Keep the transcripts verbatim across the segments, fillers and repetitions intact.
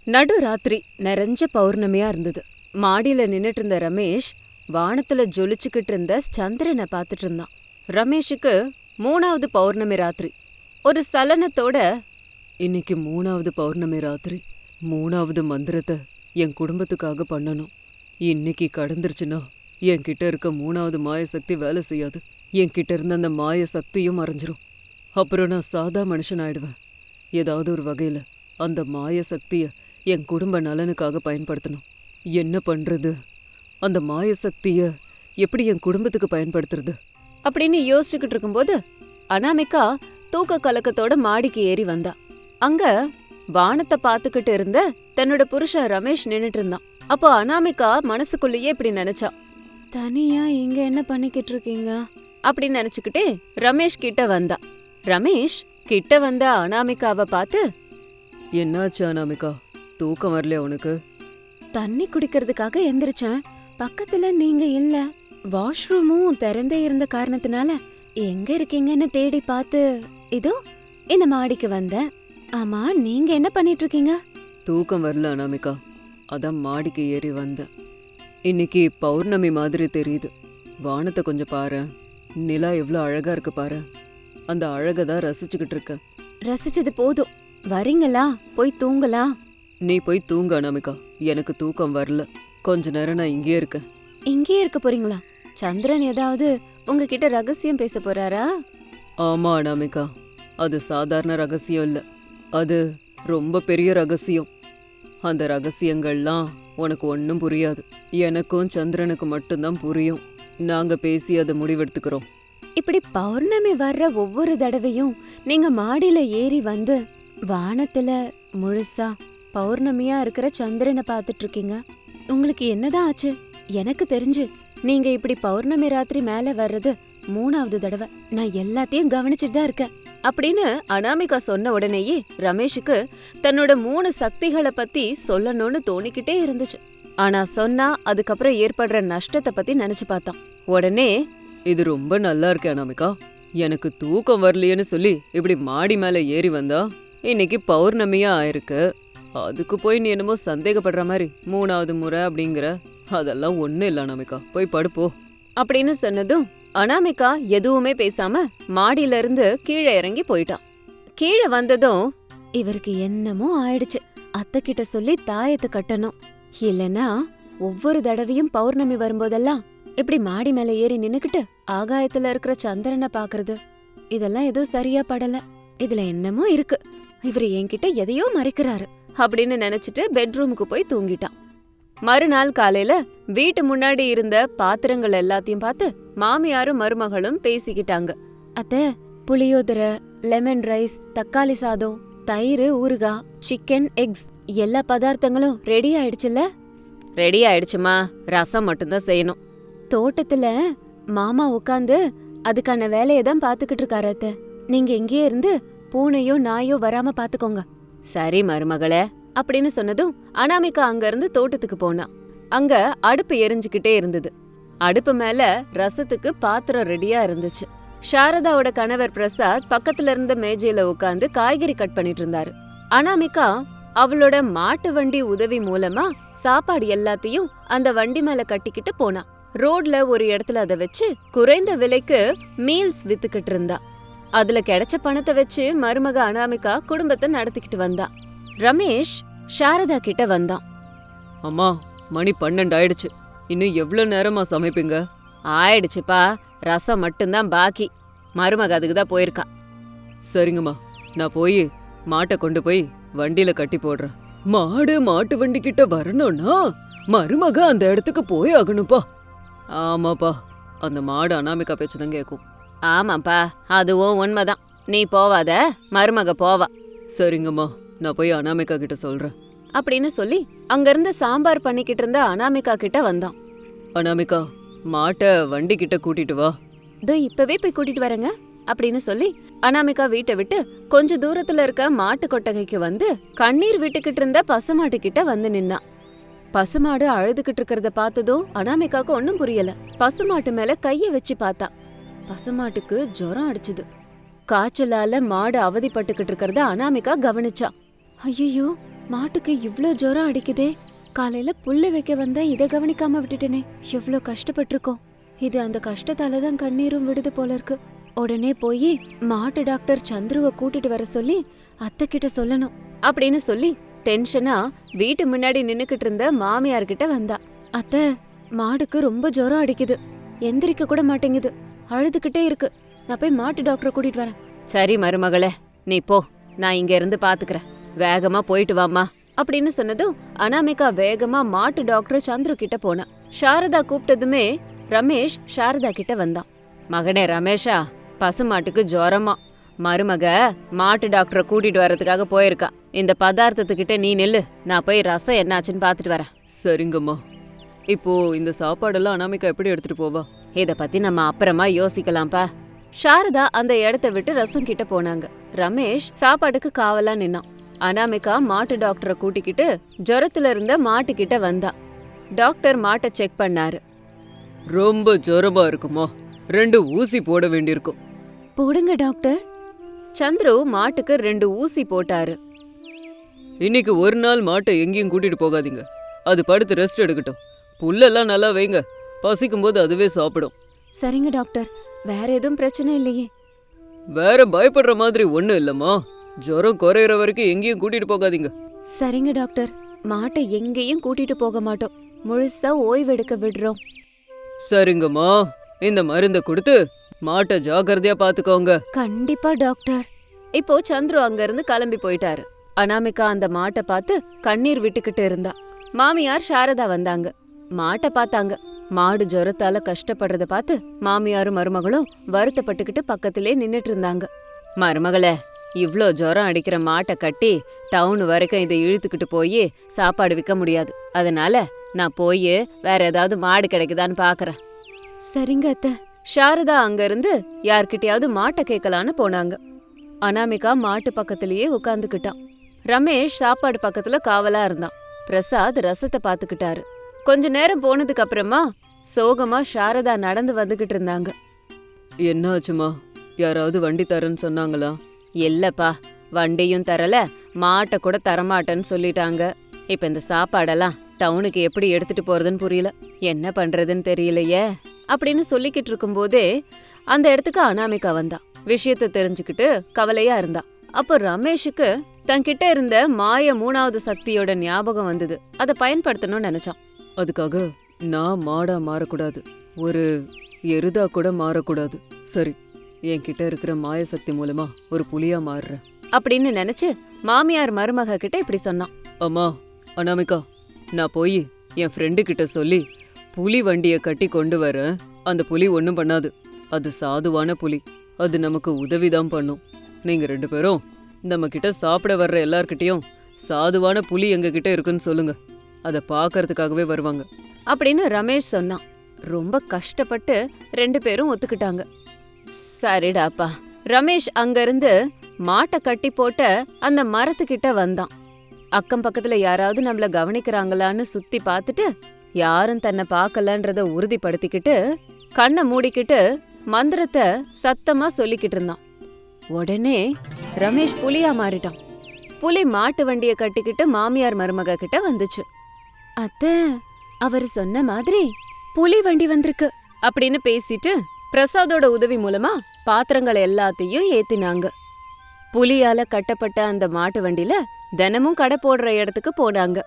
நடு ராத்திரி நிறைஞ்ச பௌர்ணமியா இருந்தது. மாடியில நின்னுட்டு இருந்த ரமேஷ் வானத்துல ஜொலிச்சுக்கிட்டு இருந்த சந்திரனை பார்த்துட்டு இருந்தான். ரமேஷுக்கு மூணாவது பௌர்ணமி ராத்திரி. ஒரு சலனத்தோட, இன்னைக்கு மூணாவது பௌர்ணமி ராத்திரி, மூணாவது மந்திரத்தை என் குடும்பத்துக்காக பண்ணணும். இன்னைக்கு கடந்துருச்சுன்னா என்கிட்ட இருக்க மூணாவது மாய சக்தி வேலை செய்யாது. என்கிட்ட இருந்த அந்த மாய சக்தியும் மறைஞ்சிரும். அப்புறம் நான் சாதா மனுஷன் ஆயிடுவேன். ஏதாவது ஒரு வகையில அந்த மாய சக்திய என் குடும்ப நலனுக்காக பயன்படுத்தணும். என்ன பண்றது? அந்த மாய சக்திய எப்படி என் குடும்பத்துக்கு பயன்படுத்துறது அப்படின்னு யோசிச்சுக்கிட்டு இருக்கும்போது அனாமிகா தூக்க கலக்கத்தோட மாடிக்கு ஏறி வந்தா. அங்க வானத்தை பாத்துக்கிட்டு இருந்த தன்னோட புருஷன் ரமேஷ் நின்னுட்டு இருந்தான். அப்போ அனாமிகா மனசுக்குள்ளேயே இப்படி நினைச்சா, தனியா இங்க என்ன பண்ணிக்கிட்டு இருக்கீங்க அப்படின்னு நினைச்சுக்கிட்டே ரமேஷ் கிட்ட வந்தா. ரமேஷ் கிட்ட வந்த அனாமிகாவை பார்த்து, என்னாச்சு அனாமிகா, தூக்கம் வரலையா உனக்கு? தண்ணி குடிக்கிறதுக்காக எந்திரிச்சேன். பக்கத்துல நீங்க இல்ல. வாஷ்ரூமும் திறந்தே இருந்த காரணத்தினால எங்க இருக்கீங்கன்னு தேடி பார்த்து இதோ இந்த மாடிக்கு வந்தேன். ஆமா, நீங்க என்ன பண்ணிட்டு இருக்கீங்க? தூக்கம் வரல அனாமிகா, அதான் மாடிக்கு ஏறி வந்தேன். இன்னைக்கு பௌர்ணமி மாதிரி தெரியுது. வானத்தை கொஞ்சம் பாரு, நிலா எவ்வளோ அழகா இருக்கு பாரு. அந்த அழகை தான் ரசிச்சுக்கிட்டு இருக்க. ரசிச்சது போதும், வரீங்களா? போய் தூங்கலாம். நீ போய் தூங்க அனாமிகா, எனக்கு தூக்கம் வரல. கொஞ்ச நேரம் நான் இங்கேயே இருக்கேன். இங்கேயே இருக்க போறீங்களா? சந்திரன் ஏதாவது உங்ககிட்ட ரகசியம் பேச போறாரா? ஆமா அனாமிகா, அது சாதாரண ரகசியம் இல்ல, அது ரொம்ப பெரிய ரகசியம். அந்த ரகசியங்கள்லாம் உனக்கு ஒன்றும் புரியாது. எனக்கும் சந்திரனுக்கு மட்டும்தான் புரியும். நாங்க பேசி அதை முடிவெடுத்துக்கிறோம். இப்படி பௌர்ணமி வர்ற ஒவ்வொரு தடவையும் நீங்க மாடியில ஏறி வந்து வானத்துல முழுசா பௌர்ணமியா இருக்கிற சந்திரனை பார்த்துட்டு இருக்கீங்க. உங்களுக்கு என்னதான் ஆச்சு? எனக்கு தெரிஞ்சு நீங்க இப்படி பௌர்ணமி ராத்திரி மேல வர்றது மூணாவது தடவை. நான் எல்லாத்தையும் கவனிச்சுட்டு தான் இருக்கேன் அப்படின்னு அனாமிகா சொன்ன உடனேயே ரமேஷுக்கு தன்னோட மூணு சக்திகளை பத்தி சொல்லணும்னு தோணிக்கிட்டே இருந்துச்சு. ஆனா சொன்னா அதுக்கப்புறம் ஏற்படுற நஷ்டத்தை பத்தி நினைச்சு பார்த்தான். உடனே, இது ரொம்ப நல்லா இருக்கு அனாமிகா, எனக்கு தூக்கம் வரலையேன்னு சொல்லி இப்படி மாடி மேல ஏறி வந்தா இன்னைக்கு பௌர்ணமியா ஆயிருக்கு. அதுக்கு போய் நீ என்னமோ சந்தேகப்படுற மாதிரி மூணாவது முறை அப்படிங்கிற, அதெல்லாம் ஒன்னும் இல்ல அனாமிகா, போய் படுப்போ அப்படின்னு சொன்னதும் அனாமிகா எதுவுமே பேசாம மாடியில இருந்து கீழே இறங்கி போயிட்டான். கீழே வந்ததும், இவருக்கு என்னமோ ஆயிடுச்சு, அத்தை கிட்ட சொல்லி தாயத்தை கட்டணும். இல்லனா ஒவ்வொரு தடவையும் பௌர்ணமி வரும்போதெல்லாம் இப்படி மாடி மேல ஏறி நின்னுக்கிட்டு ஆகாயத்துல இருக்கிற சந்திரனை பாக்குறது, இதெல்லாம் எதுவும் சரியா படல. இதுல என்னமோ இருக்கு, இவரு என்கிட்ட எதையோ மறைக்கிறாரு அப்படின்னு நினைச்சிட்டு பெட்ரூமுக்கு போய் தூங்கிட்டான். மறுநாள் காலையில வீட்டு முன்னாடி இருந்த பாத்திரங்கள் எல்லாத்தையும் பார்த்து மாமியாரும் மருமகளும் பேசிக்கிட்டாங்க. அத்தை, புளியோதரை, லெமன் ரைஸ், தக்காளி சாதம், தயிர், ஊறுகாய், சிக்கன், எக்ஸ் எல்லா பதார்த்தங்களும் ரெடி ஆயிடுச்சுல்ல? ரெடி ஆயிடுச்சுமா, ரசம் மட்டும்தான் செய்யணும். தோட்டத்துல மாமா உட்காந்து அதுக்கான வேலையை தான் பாத்துக்கிட்டு இருக்காரு அத்தை. நீங்க இங்கேயே இருந்து பூனையோ நாயோ வராம பாத்துக்கோங்க. சரி மருமகளே அப்படின்னு சொன்னதும் அனாமிகா அங்க இருந்து தோட்டத்துக்கு போனா. அங்க அடுப்பு எரிஞ்சுக்கிட்டே இருந்தது. அடுப்பு மேல ரசத்துக்கு பாத்திரம் ரெடியா இருந்துச்சு. சாரதாவோட கணவர் பிரசாத் பக்கத்துல இருந்த மேஜையில உட்காந்து காய்கறி கட் பண்ணிட்டு இருந்தாரு. அனாமிகா அவளோட மாட்டு வண்டி உதவி மூலமா சாப்பாடு எல்லாத்தையும் அந்த வண்டி மேல கட்டிக்கிட்டு போனா. ரோட்ல ஒரு இடத்துல அதை வச்சு குறைந்த விலைக்கு மீல்ஸ் வித்துக்கிட்டு இருந்தா. அதுல கிடைச்ச பணத்தை வச்சு மருமக அனாமிகா குடும்பத்தை நடத்திக்கிட்டு வந்தா. ரமேஷ் சாரதா கிட்ட வந்தான். அம்மா, மணி பன்னெண்டு ஆயிடுச்சு, இன்னும் எவ்வளவு நேரமா சமைப்பீங்க? ஆயிடுச்சுப்பா, ரசம் மட்டும்தான் பாக்கி. மருமக அதுக்கு தான் போயிருக்கா. சரிங்கம்மா, நான் போய் மாட்டை கொண்டு போய் வண்டியில கட்டி போடுறேன். மாடு மாட்டு வண்டி கிட்ட வரணும்னா மருமக அந்த இடத்துக்கு போய் ஆகணும்ப்பா. ஆமாப்பா, அந்த மாடு அனாமிகா பேச்சுதான் கேட்கும். ஆமாப்பா, அதுவும் உண்மைதான். நீ போவாத, மருமக போவா. சரிங்கம்மா, நான் போய் அனாமிகா கிட்ட சொல்றேன் அப்படின்னு சொல்லி அங்கிருந்து சாம்பார் பண்ணிக்கிட்டு இருந்த அனாமிகா கிட்ட வந்தான். அனாமிகா, மாட்டை வண்டி கிட்ட கூட்டிட்டு வா. இதோ இப்பவே போய் கூட்டிட்டு வரேங்க அப்படின்னு சொல்லி அனாமிகா வீட்டை விட்டு கொஞ்ச தூரத்துல இருக்க மாட்டு கொட்டகைக்கு வந்து கண்ணீர் விட்டுக்கிட்டு இருந்த பசுமாட்டு கிட்ட வந்து நின்னா. பசுமாடு அழுதுகிட்டு இருக்கிறத பார்த்ததும் அனாமிகாக்கு ஒன்னும் புரியல. பசுமாட்டு மேல கைய வச்சு பார்த்தா. பசுமாட்டுக்கு ஜுரம் அடிச்சுது. காய்ச்சலால மாடு அவதிப்பட்டுக்கிட்டு இருக்கிறத அனாமிகா கவனிச்சா. ஐயோ, மாட்டுக்கு இவ்ளோ ஜுரம் அடிக்குதே. காலையில புல்லு வைக்க வந்தா இத கவனிக்காம விட்டுட்டேனே. எவ்ளோ கஷ்டப்பட்டிருக்கோம். இது அந்த கஷ்டத்தால தான் கண்ணீரும் விடுது போல இருக்கு. உடனே போய் மாட்டு டாக்டர் சந்துருவ கூட்டிட்டு வர சொல்லி அத்தை கிட்ட சொல்லணும் அப்படின்னு சொல்லி டென்ஷனா வீட்டு முன்னாடி நின்னுக்கிட்டு இருந்த மாமியார் கிட்ட வந்தா. அத்தை, மாடுக்கு ரொம்ப ஜுரம் அடிக்குது, எந்திரிக்க கூட மாட்டேங்குது, அழுதுகிட்டே இருக்கு. நான் போய் மாட்டு டாக்டரை கூட்டிட்டு வரேன். சரி மருமகளே, நீ போ, நான் இங்க இருந்து பாத்துக்கிறேன். வேகமா போயிட்டு வாமா அப்படின்னு சொன்னதும் அனாமிகா வேகமா மாட்டு டாக்டர் சந்துரு கிட்ட போனா. சாரதா கூப்பிட்டதுமே ரமேஷ் சாரதா கிட்ட வந்தான். மகனே ரமேஷா, பசுமாட்டுக்கு ஜுரமா, மருமக மாட்டு டாக்டரை கூட்டிட்டு வர்றதுக்காக போயிருக்கா. இந்த பதார்த்தத்துக்கிட்ட நீ நில்லு, நான் போய் ரசம் என்னாச்சுன்னு பாத்துட்டு வரேன். சரிங்கம்மா. இப்போ இந்த சாப்பாடெல்லாம் அனாமிகா எப்படி எடுத்துட்டு போவா? இத பத்தி நம்ம அப்புறமா யோசிக்கலாம்ப்பா. சாரதா அந்த இடத்த விட்டு ரசம் கிட்ட போனாங்க. ரமேஷ் சாப்பாட்டுக்கு காவலா நின்னான். அனாமிகா மாட்டு டாக்டரை கூட்டிக்கிட்டு ஜுரத்துல இருந்த மாட்டு கிட்ட வந்தா. டாக்டர் மாட்டை செக் பண்ணாரு. ரொம்ப ஜுரமா இருக்குமா? ரெண்டு ஊசி போட வேண்டியிருக்கும். போடுங்க டாக்டர். சந்துரு மாட்டுக்கு ரெண்டு ஊசி போட்டாரு. இன்னைக்கு ஒரு நாள் மாட்டை எங்கேயும் கூட்டிட்டு போகாதீங்க. அது படுத்து ரெஸ்ட் எடுக்கட்டும். புல்லெல்லாம் நல்லா வைங்க, பசிக்கும் போது அதுவே சாப்பிடும். சரிங்க டாக்டர். வேற எதுவும் பிரச்சனை இல்லையே? வேற பயப்படுற மாதிரி ஒண்ணும் இல்லம்மா. ஜுரம் குறையிற வரைக்கும் எங்கேயும் கூட்டிட்டு போகாதீங்க. சரிங்க டாக்டர். மாட்டை எங்கேயும் கூட்டிட்டு போக மாட்டோம், முழுசா ஓய்வெடுக்க விடுறோம். சரிங்கம்மா, இந்த மருந்தை கொடுத்து மாட்டை ஜாக்கிரதையா பாத்துக்கோங்க. கண்டிப்பா டாக்டர். இப்போ சந்துரு அங்க இருந்து கிளம்பி போயிட்டாரு. அனாமிகா அந்த மாட்டை பார்த்து கண்ணீர் விட்டுக்கிட்டு இருந்தா. மாமியார் சாரதா வந்தாங்க. மாட்டை பார்த்தாங்க. மாடு ஜுரத்தால கஷ்டப்படுறத பார்த்து மாமியாரும் மருமகளும் வருத்தப்பட்டுக்கிட்டு பக்கத்திலே நின்னுட்டு இருந்தாங்க. மருமகளே, இவ்ளோ ஜுரம் அடிக்கிற மாட்டை கட்டி டவுன் வரைக்கும் இதை இழுத்துக்கிட்டு போய் சாப்பாடு விற்க முடியாது. அதனால நான் போய் வேற ஏதாவது மாடு கிடைக்குதான்னு பாக்குறேன். சரிங்க அத்தை. சாரதா அங்க இருந்து யார்கிட்டயாவது மாட்டை கேட்கலான்னு போனாங்க. அனாமிகா மாட்டு பக்கத்திலேயே உட்காந்துக்கிட்டான். ரமேஷ் சாப்பாடு பக்கத்துல காவலா இருந்தான். பிரசாத் ரசத்தை பாத்துக்கிட்டாரு. கொஞ்ச நேரம் போனதுக்கு அப்புறமா சோகமா சாரதா நடந்து வந்துகிட்டு இருந்தாங்க. என்னாச்சுமா? யாராவது வண்டி தரேன்னு சொன்னாங்களா? இல்லப்பா, வண்டியும் தரல, மாட்டை கூட தரமாட்டேன்னு சொல்லிட்டாங்க. இப்ப இந்த சாப்பாடெல்லாம் டவுனுக்கு எப்படி எடுத்துட்டு போறதுன்னு புரியல, என்ன பண்றதுன்னு தெரியலையே அப்படின்னு சொல்லிக்கிட்டு இருக்கும் போதே அந்த இடத்துக்கு அனாமிகா வந்தா. விஷயத்த தெரிஞ்சுக்கிட்டு கவலையா இருந்தா. அப்போ ரமேஷுக்கு தன்கிட்ட இருந்த மாய மூணாவது சக்தியோட ஞாபகம் வந்தது. அதை பயன்படுத்தணும்னு நினைச்சான். அதுக்காக நான் மாடா மாறக்கூடாது, ஒரு எருதா கூட மாறக்கூடாது. சரி, என்கிட்ட இருக்கிற மாய சக்தி மூலமா ஒரு புலியா மாறுறேன் அப்படின்னு நினைச்சு மாமியார் மருமக கிட்ட இப்படி சொன்னான். அம்மா அனாமிகா, நான் போய் என் ஃப்ரெண்டு கிட்ட சொல்லி புலி வண்டியை கட்டி கொண்டு வரேன். அந்த புலி ஒன்றும் பண்ணாது, அது சாதுவான புலி, அது நமக்கு உதவிதான் பண்ணும். நீங்க ரெண்டு பேரும் நம்ம கிட்ட சாப்பிட வர்ற எல்லார்கிட்டையும் சாதுவான புலி எங்க கிட்ட இருக்குன்னு சொல்லுங்க, அதை பார்க்கறதுக்காகவே வருவாங்க அப்படின்னு ரமேஷ் சொன்னான். ரொம்ப கஷ்டப்பட்டு ரெண்டு பேரும் ஒத்துக்கிட்டாங்க. சரிடாப்பா. ரமேஷ் அங்கிருந்து மாட்டை கட்டி போட்ட அந்த மரத்துக்கிட்ட வந்தான். அக்கம் பக்கத்துல யாராவது நம்மள கவனிக்கிறாங்களான்னு சுத்தி பார்த்துட்டு யாரும் தன்னை பார்க்கலன்றத உறுதிப்படுத்திக்கிட்டு கண்ணை மூடிக்கிட்டு மந்திரத்தை சத்தமா சொல்லிக்கிட்டு இருந்தான். உடனே ரமேஷ் புலியா மாறிட்டான். புலி மாட்டு வண்டிய கட்டிக்கிட்டு மாமியார் மருமக கிட்ட வந்துச்சு. அத்தை, அவர் சொன்ன மாதிரி புலி வண்டி வந்திருக்கு அப்படின்னு பேசிட்டு பிரசாதோட உதவி மூலமா பாத்திரங்கள் எல்லாத்தையும் ஏத்தினாங்க. புலியால கட்டப்பட்ட அந்த மாட்டு வண்டியில தினமும் கடை போடுற இடத்துக்கு போனாங்க.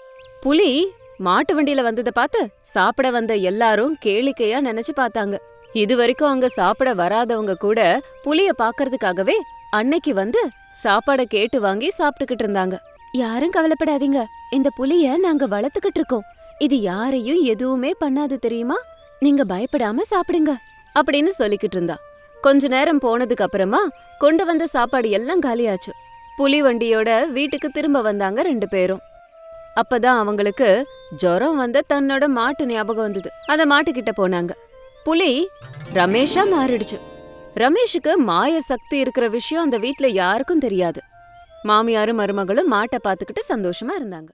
புலி மாட்டு வண்டியில வந்ததை பார்த்து சாப்பிட வந்த எல்லாரும் கேளிக்கையா நினைச்சு பார்த்தாங்க. இது வரைக்கும் அங்க சாப்பிட வராதவங்க கூட புலிய பாக்கறதுக்காகவே அன்னைக்கு வந்து சாப்பாட கேட்டு வாங்கி சாப்பிட்டுக்கிட்டு இருந்தாங்க. யாரும் கவலைப்படாதீங்க, இந்த புலிய நாங்க வளர்த்துக்கிட்டு இருக்கோம், இது யாரையும் எதுவுமே பண்ணாது தெரியுமா, நீங்க பயப்படாம சாப்பிடுங்க அப்படின்னு சொல்லிக்கிட்டு இருந்தா. கொஞ்ச நேரம் போனதுக்கு அப்புறமா கொண்டு வந்த சாப்பாடு எல்லாம் காலியாச்சு. புலி வண்டியோட வீட்டுக்கு திரும்ப வந்தாங்க ரெண்டு பேரும். அப்பதான் அவங்களுக்கு ஜுரம் வந்த தன்னோட மாட்டு ஞாபகம் வந்தது. அந்த மாட்டுக்கிட்ட போனாங்க. புலி ரமேஷா மாறிடுச்சு. ரமேஷுக்கு மாய சக்தி இருக்கிற விஷயம் அந்த வீட்ல யாருக்கும் தெரியாது. மாமியாரும் மருமகளும் மாட்டை பார்த்துக்கிட்டு சந்தோஷமா இருந்தாங்க.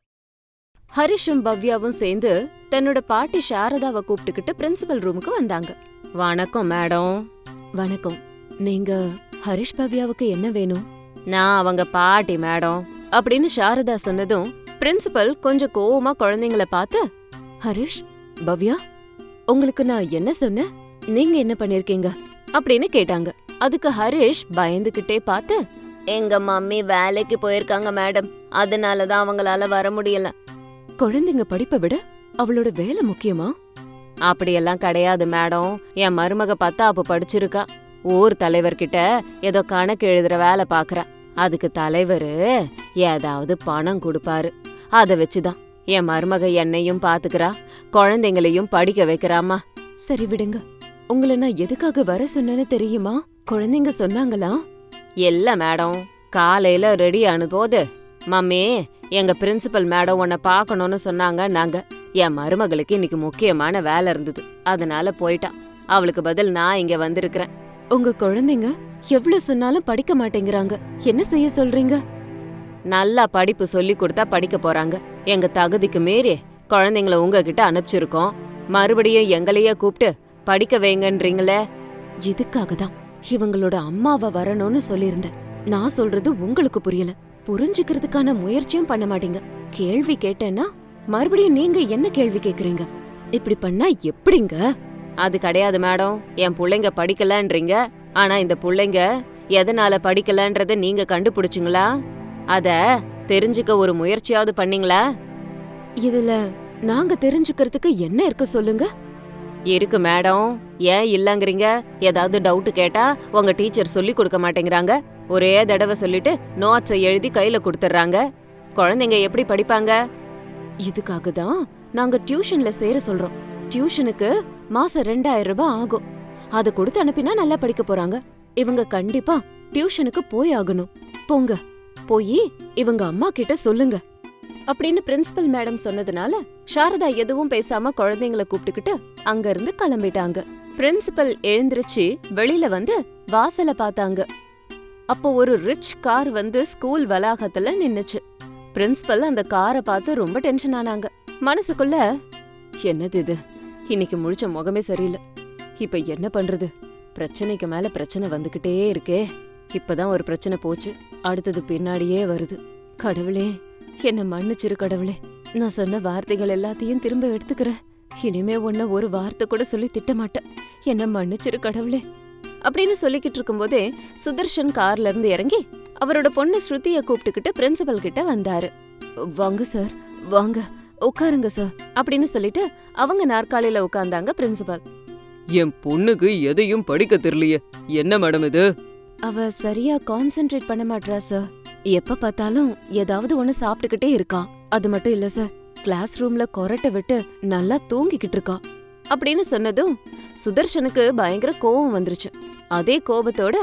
ஹரிஷும் பவ்யாவும் சேர்ந்து தன்னோட பாட்டி சாரதாவை கூப்பிட்டுக்கிட்டு பிரின்சிபல் ரூமுக்கு வந்தாங்க. வணக்கம் மேடம். வணக்கம். நீங்க ஹரிஷ் பவ்யாவுக்கு என்ன வேணும்? நான் அவங்க பாட்டி மேடம். அப்படின்னு சாரதா சொன்னதும் பிரின்சிபல் கொஞ்சம் கோவமா குழந்தைங்கள பார்த்து, ஹரிஷ், பவ்யா, உங்களுக்கு நான் என்ன சொன்னேன், நீங்க என்ன பண்ணிருக்கீங்க அப்படின்னு கேட்டாங்க. அதுக்கு ஹரிஷ் பயந்துகிட்டே பார்த்து, எங்க மம்மி வேலைக்கு போயிருக்காங்க மேடம், அதனாலதான் அவங்களால வர முடியல. குழந்தைங்க படிப்பை விட அவளோட வேலை முக்கியமா? அப்படியெல்லாம் கிடையாது மேடம், என் மருமக பத்தாப்பு படிச்சிருக்கா, ஊர் தலைவர்கிட்ட ஏதோ கணக்கு எழுதுற வேலை பாக்குறா. அதுக்கு தலைவரு ஏதாவது பணம் கொடுப்பாரு, அத வச்சுதான் என் மருமக என்னையும் பாத்துக்கிறா, குழந்தைங்களையும் படிக்க வைக்கிறாமா. சரி விடுங்க, உங்களை நான் எதுக்காக வர சொன்னேன்னு தெரியுமா? குழந்தைங்க சொன்னாங்களா? இல்ல மேடம், காலையில ரெடி ஆன போது, மம்மி எங்க பிரின்சிபல் மேடம் உன்னை பாக்கணும்னு சொன்னாங்க. நாங்க என் மருமகளுக்கு இன்னைக்கு முக்கியமான வேலை இருந்தது, அதனால போயிட்டா. அவளுக்கு பதில் நான் இங்க வந்திருக்கிறேன். உங்க குழந்தைங்க எவ்வளவு சொன்னாலும் படிக்க மாட்டேங்கிறாங்க, என்ன செய்ய சொல்றீங்க? நல்லா படிப்பு சொல்லி கொடுத்தா படிக்க போறாங்க. எங்க தகுதிக்கு மீறி குழந்தைங்கள உங்ககிட்ட அனுப்பிச்சிருக்கோம், மறுபடியும் எங்களையே கூப்பிட்டு படிக்க வைங்கன்றீங்களே. இதுக்காக தான் இவங்களோட அம்மாவை வரணும்னு சொல்லியிருந்தேன். நான் சொல்றது உங்களுக்கு புரியல, புரிஞ்சுக்கிறதுக்கான முயற்சியும் பண்ண மாட்டீங்க. கேள்வி கேட்டேன்னா மறுபடியும் நீங்க என்ன கேள்வி கேக்குறீங்க? இப்படி பண்ணா எப்படிங்க? அது கிடையாது மேடம், என் புள்ளைங்க படிக்கலன்றீங்க, ஆனா இந்த புள்ளைங்க எதனால படிக்கலன்றத நீங்க கண்டுபிடிச்சிங்களா? அத தெரிஞ்சுக்க ஒரு முயற்சியாவது பண்ணீங்களா? இதுல நாங்க தெரிஞ்சுக்கிறதுக்கு என்ன இருக்கு சொல்லுங்க? இருக்கு மேடம், ஏன் இல்லங்கறீங்க? ஏதாவது டவுட் கேட்டா உங்க டீச்சர் சொல்லி கொடுக்க மாட்டேங்கிறாங்க, ஒரே தடவை சொல்லிட்டு நோட்ஸை எழுதி கையில கொடுத்துட்றாங்க. குழந்தைங்க எப்படி படிப்பாங்க? இதுக்காக தான் நாங்க டியூஷன்ல சேர சொல்றோம். டியூஷனுக்கு மாசம் ரெண்டாயிரம் ரூபாய் ஆகும், அத கொடுத்து அனுப்பினா நல்லா படிக்க போறாங்க. இவங்க கண்டிப்பா டியூஷனுக்கு போய் ஆகணும். போங்க, போய் இவங்க அம்மா கிட்ட சொல்லுங்க அப்படின்னு பிரின்சிபல் மேடம் சொன்னதுனால சாரதா எதுவும் பேசாம குழந்தைங்கள கூப்பிட்டுக்கிட்டு அங்க இருந்து கிளம்பிட்டாங்க. பிரின்சிபல் எழுந்திருச்சு வெளியில வந்து வாசல பார்த்தாங்க. அப்போ ஒரு ரிச் கார் வந்து ஸ்கூல் வளாகத்துல நின்னுச்சு. பிரின்சிபல் அந்த காரை பார்த்து ரொம்ப டென்ஷன் ஆனாங்க. மனசுக்குள்ள, என்னது இது, இன்னைக்கு முழிச்ச முகமே சரியில்லை, இப்ப என்ன பண்றது, பிரச்சனைக்கு மேல பிரச்சனை வந்துகிட்டே இருக்கே. இப்பதான் ஒரு பிரச்சனை போச்சு, அடுத்தது பின்னாடியே வருது. கடவுளே, என்ன மன்னிச்சிரு கடவுளே, நான் சொன்ன வார்த்தைகள் எல்லாத்தையும் திரும்ப எடுத்துக்கிறேன். இனிமே உன்ன ஒரு வார்த்தை கூட சொல்லி திட்ட மாட்டேன், என்ன மன்னிச்சிரு கடவுளே அப்படின்னு சொல்லிக்கிட்டு இருக்கும்போதே சுதர்ஷன் கார்ல இருந்து இறங்கி அவரோட பொண்ணு ஸ்ருதிய கூப்பிட்டுக்கிட்டு பிரின்சிபல் கிட்ட வந்தாரு. வாங்க சார், வாங்க உட்காருங்க சார் அப்படின்னு சொல்லிட்டு அவங்க நாற்காலியில உட்கார்ந்தாங்க பிரின்சிபல். என் பொண்ணுக்கு எதையும் படிக்க தெரியலையே, என்ன மேடம் இது? அவ சரியா கான்சென்ட்ரேட் பண்ண மாட்றா சார், எப்ப பார்த்தாலும் ஏதாவது ஒண்ணு சாப்பிட்டுக்கிட்டே இருக்கா. அது மட்டும் இல்ல சார், கிளாஸ் ரூம்ல கொரட்டை விட்டு நல்லா தூங்கிக்கிட்டு இருக்கா அப்படின்னு சொன்னதும் சுதர்ஷனுக்கு பயங்கர கோவம் வந்துருச்சு. அதே கோபத்தோட,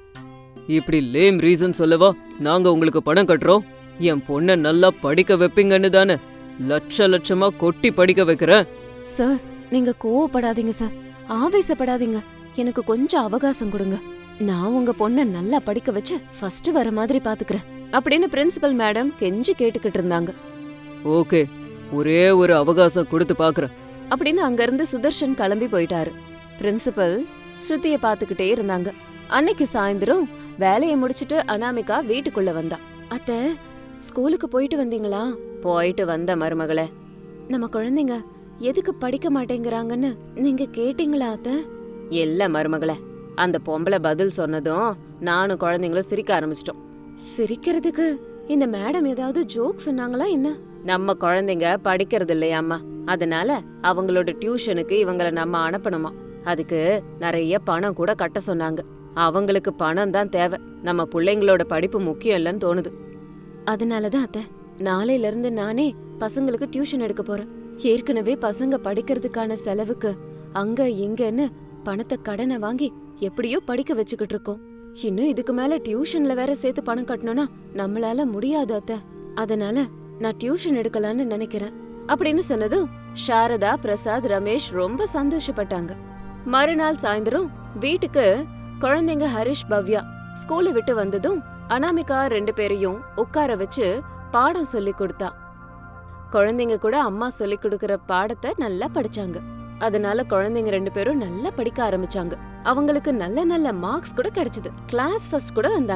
இப்படி லேம் ரீசன் சொல்லவா நாங்க உங்களுக்கு பணம் கட்டுறோம்? என் பொண்ண நல்லா படிக்க வைப்பீங்கன்னு தானே லட்ச லட்சமா கொட்டி படிக்க வைக்கிறேன். சார், நீங்க கோவப்படாதீங்க சார், ஆவேசப்படாதீங்க, எனக்கு கொஞ்சம் அவகாசம் கொடுங்க, நான் உங்க பொண்ண நல்லா படிக்க வச்சு ஃபர்ஸ்ட் வர மாதிரி பாத்துக்கிறேன் அப்படின்னு பிரின்சிபல் மேடம் கெஞ்சி கேட்டுக்கிட்டு இருந்தாங்க. ஓகே, ஒரே ஒரு அவகாசம் கொடுத்து பாக்குறேன் அப்படின்னு அங்க இருந்து சுதர்ஷன் கிளம்பி போயிட்டாரு. பிரின்சிபல் ஸ்ருதிய பாத்துக்கிட்டே இருந்தாங்க. அன்னைக்கு சாயந்தரம் வேலையை முடிச்சிட்டு அனாமிகா வீட்டுக்குள்ள வந்தா. அத்தை, ஸ்கூலுக்கு போயிட்டு வந்தீங்களா? போயிட்டு வந்த மருமகளே. நம்ம குழந்தைங்க எதுக்கு படிக்க மாட்டேங்கிறாங்கன்னு நீங்க கேட்டீங்களா அத்தை? இல்ல மருமகளே, அந்த பொம்பளை பதில் சொன்னதும் நானும் குழந்தைங்களும் சிரிக்க ஆரம்பிச்சிட்டோம். சிரிக்கிறதுக்கு இந்த மேடம் ஏதாவது ஜோக் சொன்னாங்களா என்ன? நம்ம குழந்தைங்க படிக்கிறது இல்லையாம்மா, அதனால அவங்களோட டியூஷனுக்கு இவங்கள நம்ம அனுப்பணுமா, அதுக்கு நிறைய பணம் கூட கட்ட சொன்னாங்க. அவங்களுக்கு பணம் தான் தேவை, நம்ம பிள்ளைங்களோட படிப்பு முக்கியம் இல்லைன்னு தோணுது. அதனாலதான் அத்தை, நாளையில இருந்து நானே பசங்களுக்கு டியூஷன் எடுக்க போறேன். ஏற்கனவே பசங்க படிக்கிறதுக்கான செலவுக்கு அங்க இங்கன்னு பணத்தை கடனை வாங்கி எப்படியோ படிக்க வச்சுக்கிட்டு இருக்கோம். இன்னும் இதுக்கு மேல டியூஷன்ல வேற சேர்த்து பணம் கட்டணும்னா நம்மளால முடியாது அத்தை, அதனால நான் டியூஷன் எடுக்கலான்னு நினைக்கிறேன் அப்படின்னு சொன்னதும் சாரதா, பிரசாத், ரமேஷ் ரொம்ப சந்தோஷப்பட்டாங்க. மறுநாள் சாயந்தரம் வீட்டுக்கு குழந்தைங்க ஹரிஷ், பவ்யா ஸ்கூலை விட்டு வந்ததும் அனாமிகா ரெண்டு பேரையும் உட்கார வச்சு பாடம் சொல்லி கொடுத்தா. குழந்தைங்க கூட அம்மா சொல்லி கொடுக்கற பாடத்தை நல்லா படிச்சாங்க. அதனால குழந்தைங்க ரெண்டு பேரும் நல்லா படிக்க ஆரம்பிச்சாங்க. அவங்களுக்கு நல்ல நல்ல மார்க்ஸ் கூட கிடைச்சது, கிளாஸ் ஃபர்ஸ்ட் கூட வந்தாங்க.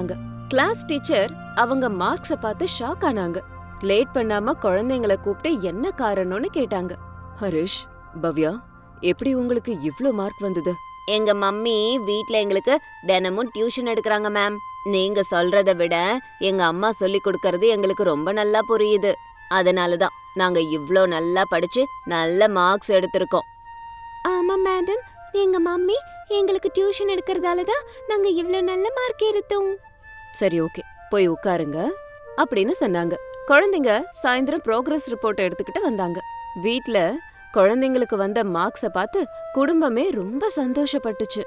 கிளாஸ் டீச்சர் அவங்க மார்க்ஸ பார்த்து ஷாக் ஆனாங்க. லேட் பண்ணாம குழந்தைங்கள கூப்பிட்டு என்ன காரணம்னு கேட்டாங்க. ஹரிஷ், பவ்யா, எப்படி உங்களுக்கு இவ்ளோ மார்க் வந்தது? எங்க மம்மி வீட்ல எங்களுக்கு தினமும் டியூஷன் எடுக்கறாங்க மேம். நீங்க சொல்றத விட எங்க அம்மா சொல்லி கொடுக்கறது எங்களுக்கு ரொம்ப நல்லா புரியுது. அதனாலதான் நாங்க இவ்ளோ நல்லா படிச்சு நல்ல மார்க்ஸ் எடுத்திருக்கோம். ஆமா மேடம், எங்க மம்மி எங்களுக்கு டியூஷன் எடுக்கறதால தான் நாங்க இவ்ளோ நல்ல மார்க் எடுத்தோம். சரி, ஓகே, போய் உட்காருங்க அப்படின்னு சொன்னாங்க. குழந்தைங்க சாயந்தரம் ப்ரோக்ரஸ் ரிப்போர்ட் எடுத்துக்கிட்டு வந்தாங்க. வீட்ல குழந்தைங்களுக்கு வந்த மார்க்ஸ பார்த்து குடும்பமே ரொம்ப சந்தோஷப்பட்டுச்சு.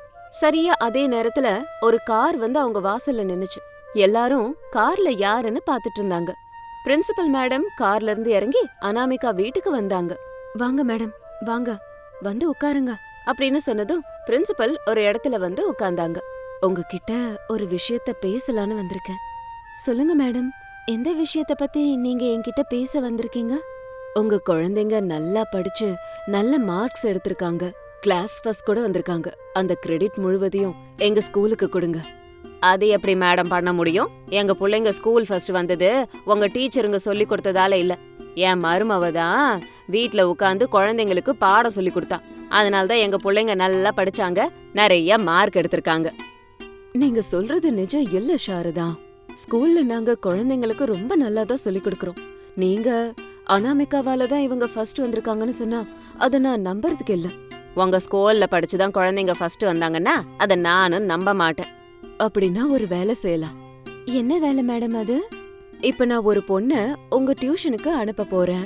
சரியா அதே நேரத்துல ஒரு கார் வந்து அவங்க வாசல்ல நின்னுச்சு. எல்லாரும் கார்ல யாருன்னு பாத்துட்டு இருந்தாங்க. பிரின்சிபல் மேடம் கார்ல இருந்து இறங்கி அனாமிகா வீட்டுக்கு வந்தாங்க. வாங்க மேடம், வாங்க, வந்து உட்காருங்க அப்படின்னு சொன்னதும் பிரின்சிபல் ஒரு இடத்துல வந்து உட்கார்ந்தாங்க. உங்ககிட்ட ஒரு விஷயத்த பேசலான்னு வந்திருக்கேன். சொல்லுங்க மேடம், எந்த விஷயத்த பத்தி நீங்க என்கிட்ட பேச வந்திருக்கீங்க? உங்க குழந்தைங்க நல்லா படிச்சு நல்ல மார்க்ஸ் எடுத்திருக்காங்க. கிளாஸ் ஃபர்ஸ்ட் கூட வந்திருக்காங்க. அந்த கிரெடிட் முழுவதையும் எங்க ஸ்கூலுக்கு கொடுங்க. அது எப்படி மேடம் பண்ண முடியும்? எங்க பிள்ளைங்க ஸ்கூல் ஃபர்ஸ்ட் வந்தது உங்க டீச்சருங்க சொல்லி கொடுத்ததால இல்ல. என் மருமவ தான் வீட்ல உட்காந்து குழந்தைங்களுக்கு பாடம் சொல்லி கொடுத்தா. அதனாலதான் எங்க பிள்ளைங்க நல்லா படிச்சாங்க, நிறைய மார்க் எடுத்திருக்காங்க. நீங்க சொல்றது நிஜம் இல்ல சாரதா. ஸ்கூல்ல நாங்க குழந்தைங்களுக்கு ரொம்ப நல்லா தான் சொல்லி கொடுக்கறோம். நீங்க அனாமிகாவால தான் இவங்க ஃபர்ஸ்ட் வந்திருக்காங்கன்னு சொன்னா அத நான் நம்புறதுக்கு இல்ல. உங்க ஸ்கூல்ல படிச்சுதான் குழந்தைங்க ஃபர்ஸ்ட் வந்தாங்கன்னா அத நானும் நம்ப மாட்டேன். அப்படின்னா ஒரு வேலை செய்யலாம். என்ன வேலை மேடம் அது? இப்ப நான் ஒரு பொண்ண உங்க டியூஷனுக்கு அனுப்ப போறேன்.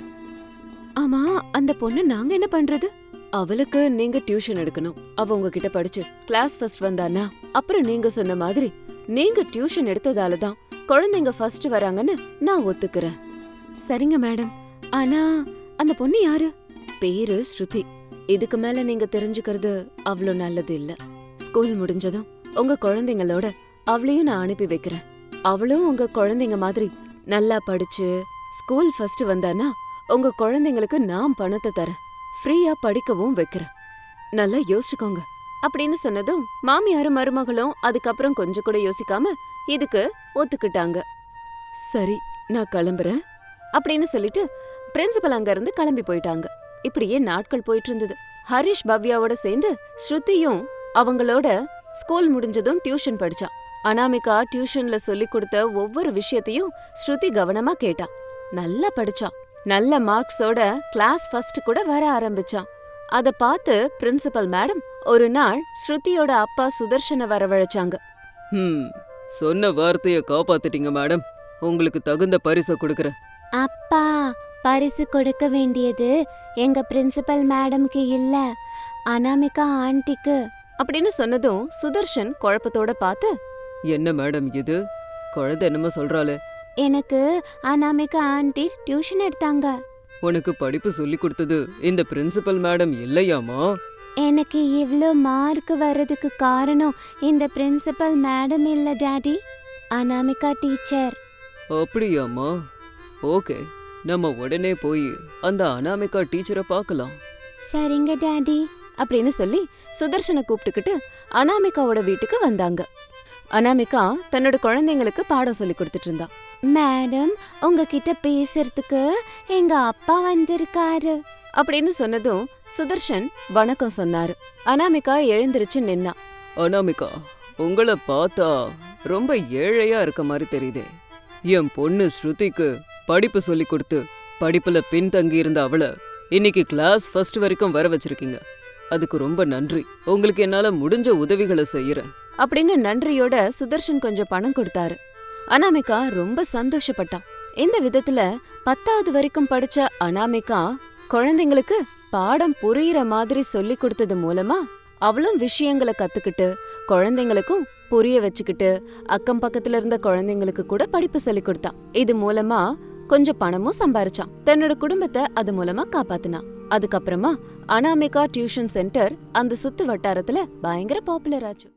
ஆமா, அந்த பொண்ணு நாங்க என்ன பண்றது? அவளுக்கு நீங்க டியூஷன் எடுக்கணும். அவ உங்ககிட்ட படிச்சு கிளாஸ் ஃபர்ஸ்ட் வந்தானா அப்புறம் நீங்க சொன்ன மாதிரி நீங்க டியூஷன் எடுத்ததால தான் குழந்தைங்க ஃபர்ஸ்ட் வராங்கன்னு நான் ஒத்துக்கிறேன். சரிங்க மேடம். ஆனா அந்த பொண்ணு யாரு? பேரு ஸ்ருதி. இதுக்கு மேல நீங்க தெரிஞ்சுக்கிறது அவ்வளோ நல்லது இல்ல. ஸ்கூல் முடிஞ்சதும் உங்க குழந்தைங்களோட அவளையும் நான் அனுப்பி வைக்கிறேன். அவளும் உங்க குழந்தைங்க மாதிரி நல்லா படிச்சு ஸ்கூல் ஃபர்ஸ்ட் வந்தானா உங்க குழந்தைங்களுக்கு நான் பணத்தை தரேன். ஃப்ரீயா படிக்கவும் வைக்கிறேன். நல்லா யோசிச்சுக்கோங்க அப்படின்னு சொன்னதும் மாமியாரும் மருமகளும் அதுக்கப்புறம் கொஞ்சம் கூட யோசிக்காம இதுக்கு ஒத்துக்கிட்டாங்க. சரி, நான் கிளம்புறேன் அப்படின்னு சொல்லிட்டு பிரின்சிபல் அங்க இருந்து கிளம்பி போயிட்டாங்க. இப்படியே நாட்கள் போயிட்டு இருந்தது. ஹரிஷ் பவ்யாவோட சேர்ந்து ஸ்ருதியும் அவங்களோட ஸ்கூல் முடிஞ்சதும் டியூஷன் படிச்சா. அனாமிகா டியூஷன்ல சொல்லி கொடுத்த ஒவ்வொரு விஷயத்தையும் ஸ்ருதி கவனமா கேட்டா. நல்லா படிச்சா. நல்ல மார்க்ஸோட கிளாஸ் ஃபர்ஸ்ட் கூட வர ஆரம்பிச்சா. அத பார்த்து பிரின்சிபல் மேடம் ஒரு நாள் ஸ்ருதியோட அப்பா சுதர்ஷனை வரவழைச்சாங்க. ம் சொன்ன வார்த்தைய காப்பாத்திட்டீங்க மேடம். உங்களுக்கு தகுந்த பரிசை கொடுக்கறேன். அப்பா, பரிசு கொடுக்க வேண்டியது எங்க பிரின்சிபல் மேடம்க்கு இல்ல, அனாமிகா ஆண்டிக்கு அப்படின்னு சொன்னதும் சுதர்ஷன் குழப்பத்தோட பார்த்து, என்ன மேடம் இது? குழந்தை என்னமோ சொல்றாளே. எனக்கு அனாமிகா ஆண்டி டியூஷன் எடுத்தாங்க. உனக்கு படிப்பு சொல்லி கொடுத்தது இந்த பிரின்சிபல் மேடம் இல்லையாமா? எனக்கு இவ்ளோ மார்க் வர்றதுக்கு காரணம் இந்த பிரின்சிபல் மேடம் இல்ல டாடி, அனாமிகா டீச்சர். அப்படியாமா? ஓகே, நம்ம உடனே போய் அந்த அனாமிகா டீச்சரை பார்க்கலாம். சரிங்க டாடி அப்படின்னு சொல்லி சுதர்ஷனை கூப்பிட்டுக்கிட்டு அனாமிகாவோட வீட்டுக்கு வந்தாங்க. அனாமிகா தன்னோட குழந்தைங்களுக்கு பாடம் சொல்லி கொடுத்துட்டு இருந்தா. மேடம், உங்ககிட்ட பேசுறதுக்கு எங்க அப்பா வந்திருக்காரு அப்படின்னு சொன்னதும் சுதர்ஷன் வணக்கம் சொன்னாரு. அனாமிகா எழுந்திருச்சு நின்னா. அனாமிகா, உங்களை பார்த்தா ரொம்ப ஏழையா இருக்க மாதிரி தெரியுதே. என் பொண்ணு ஸ்ருதிக்கு படிப்பு சொல்லி கொடுத்து படிப்புல பின்தங்கி இருந்த அவளை இன்னைக்கு கிளாஸ் ஃபர்ஸ்ட் வரைக்கும் வர வச்சிருக்கீங்க. அதுக்கு ரொம்ப நன்றி. உங்களுக்கு என்னால முடிஞ்ச உதவிகளை செய்யறேன் அப்படின்னு நன்றியோட சுதர்ஷன் கொஞ்சம் பணம் கொடுத்தாரு. அனாமிகா ரொம்ப சந்தோஷப்பட்டான். இந்த விதத்துல பத்தாவது வரைக்கும் படிச்ச அனாமிகா குழந்தைங்களுக்கு பாடம் புரியுற மாதிரி சொல்லி கொடுத்தது மூலமா அவளும் விஷயங்களை கத்துக்கிட்டு குழந்தைங்களுக்கும் புரிய வச்சுக்கிட்டு அக்கம் பக்கத்துல இருந்த குழந்தைங்களுக்கு கூட படிப்பு சொல்லி கொடுத்தா. இது மூலமா கொஞ்சம் பணமும் சம்பாரிச்சான். தன்னோட குடும்பத்தை அது மூலமா காப்பாத்தினான். அதுக்கப்புறமா அனாமிகா டியூஷன் சென்டர் அந்த சுத்து வட்டாரத்துல பயங்கர பாப்புலர் ஆச்சு.